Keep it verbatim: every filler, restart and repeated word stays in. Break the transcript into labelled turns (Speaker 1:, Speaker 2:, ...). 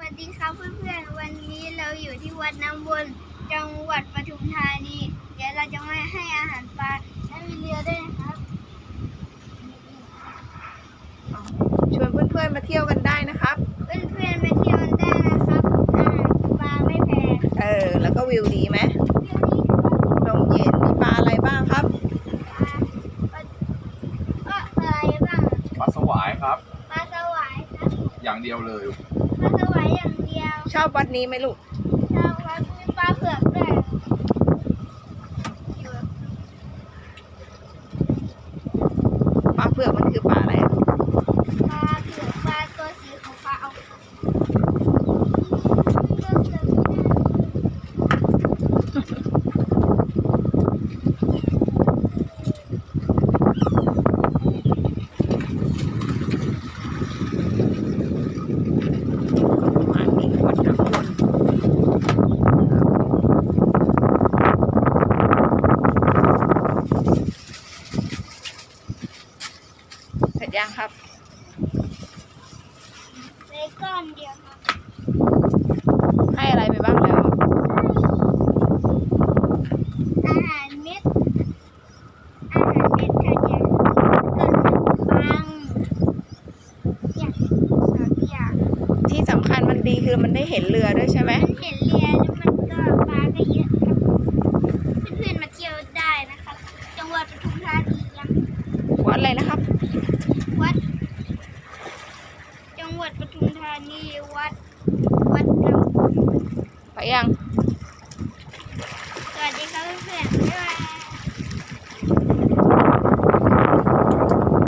Speaker 1: วัสดีครับเพื่อนๆวันนี้เราอยู่ที่วัดน้ำวนจังหวัดปทุมธานีเดี๋ยวเราจะมาให้อาหารปลาและมีเรือด้วยนะครับ
Speaker 2: ชวนเพื่อนๆมาเที่ยวกันได้นะครับ
Speaker 1: เพื่อนๆมาเที่ยวกันได้นะครับอาหารปลาไม่แพง
Speaker 2: เออแล้วก็วิวดีไหม
Speaker 1: วิวนี้ครับ
Speaker 2: ลมเย็นมีปลาอะไรบ้างครับ
Speaker 1: ปลาปลาอะไรบ้าง
Speaker 3: ปลาสวายครับ
Speaker 1: ปลาสวายครับ
Speaker 3: อย่างเดียวเลย
Speaker 1: ปลาสวายอย่างเดียว
Speaker 2: ชอบวัดนี้ไหมลูก
Speaker 1: ชาววัดมีปลาเผือกด้วยอยู่
Speaker 2: ปลาเผือกมันคือปลาอะไรอะ
Speaker 1: ปลาเผือกปลาตัวสีของปลาเอา
Speaker 2: หมาที่วัดน้ำวนเสร็จยังครับ
Speaker 1: ในก้อนเดียวครับ
Speaker 2: ให้อะไรไปบ้างแล้ว
Speaker 1: อาหารเม็ดอาหารเม็ดขยะขนมปังอย่างสามอย่าง
Speaker 2: ที่สำคัญมันดีคือมันได้เห็นเรือด้วยใช่ไหม
Speaker 1: มันเห็นเรือแล้วมันก็ปลาก็เยอะครับเพื่อนๆมาเที่ยวได้นะครับ จังหวัดปทุมธานียัง
Speaker 2: วัดอะไรนะครับ
Speaker 1: วัด จังหวัดปทุมธานีวัด วัดน้ำ
Speaker 2: ไปยัง